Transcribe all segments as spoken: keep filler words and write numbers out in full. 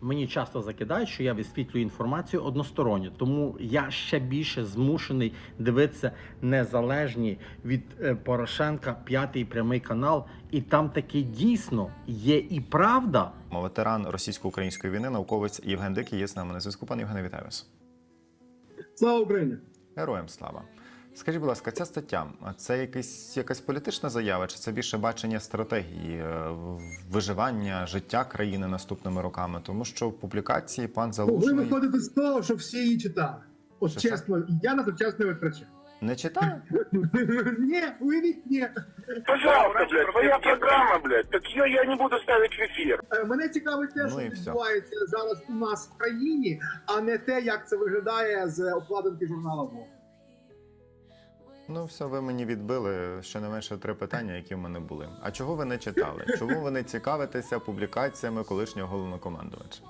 Мені часто закидають, що я висвітлюю інформацію односторонньо, тому я ще більше змушений дивитися незалежні від е, Порошенка п'ятий прямий канал, і там таки дійсно є і правда. Ветеран російсько-української війни, науковець Євген Дикий є з нами на зв'язку. Пане Євгене, вітаю вас. Слава Україні! Героям слава. Скажіть, будь ласка, ця стаття, це якась, якась політична заява, чи це більше бачення стратегії е, виживання, життя країни наступними роками? Тому що в публікації пан Ви Залужний... виходите з того, що всі її читали. От Що чесно, я на це час не витрачаю. Не читає? Ні, уявіть, ні. Пожалуйста, блядь, твоя программа, блядь, так ее я не буду ставить в ефір. Е, Мене цікавить те, Ну що і все. відбувається зараз у нас в країні, а не те, як це виглядає з обкладинки журнала «Вог». Ну, все, ви мені відбили щонайменше три питання, які в мене були. А чого ви не читали? Чому ви не цікавитеся публікаціями колишнього головнокомандувача?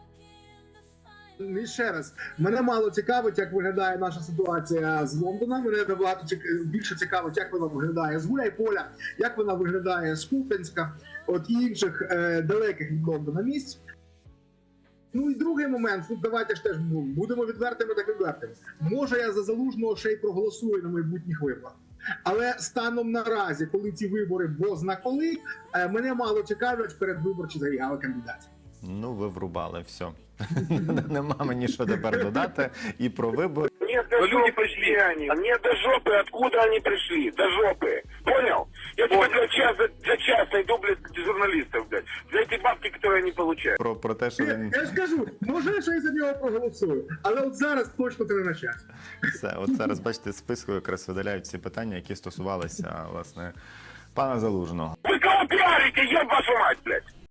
І ще раз, мене мало цікавить, як виглядає наша ситуація з Лондоном. Мене набагато цік- більше цікавить, як вона виглядає з Гуляйполя, як вона виглядає з Куп'янська, от і інших е, далеких від Лондона місць. Ну і другий момент, тут давайте ж теж ну, будемо відвертими так відвертими. Може я за Залужного ще й проголосую на майбутніх виборах. Але станом наразі, коли ці вибори бозна коли, е, мене мало цікавлять передвиборчі заяви кандидатів. Ну, ви врубали, все. Нема мені що тепер додати. І про вибори. Нет до жопы, где они. Нет до жопы, откуда они пришли. До жопы. Понял? Я тебе за час, за, за час найду, блядь, журналистов, блядь. За эти бабки, которые они получают. Про, про те, що Я, він... я ж кажу, може я ще й за нього проголосую, але от зараз точно це не на час. Все, от зараз, бачите, з списку якраз видаляють всі питання, які стосувалися, власне, пана Залужного. Вы кого пиарите, еб вашу мать, блядь?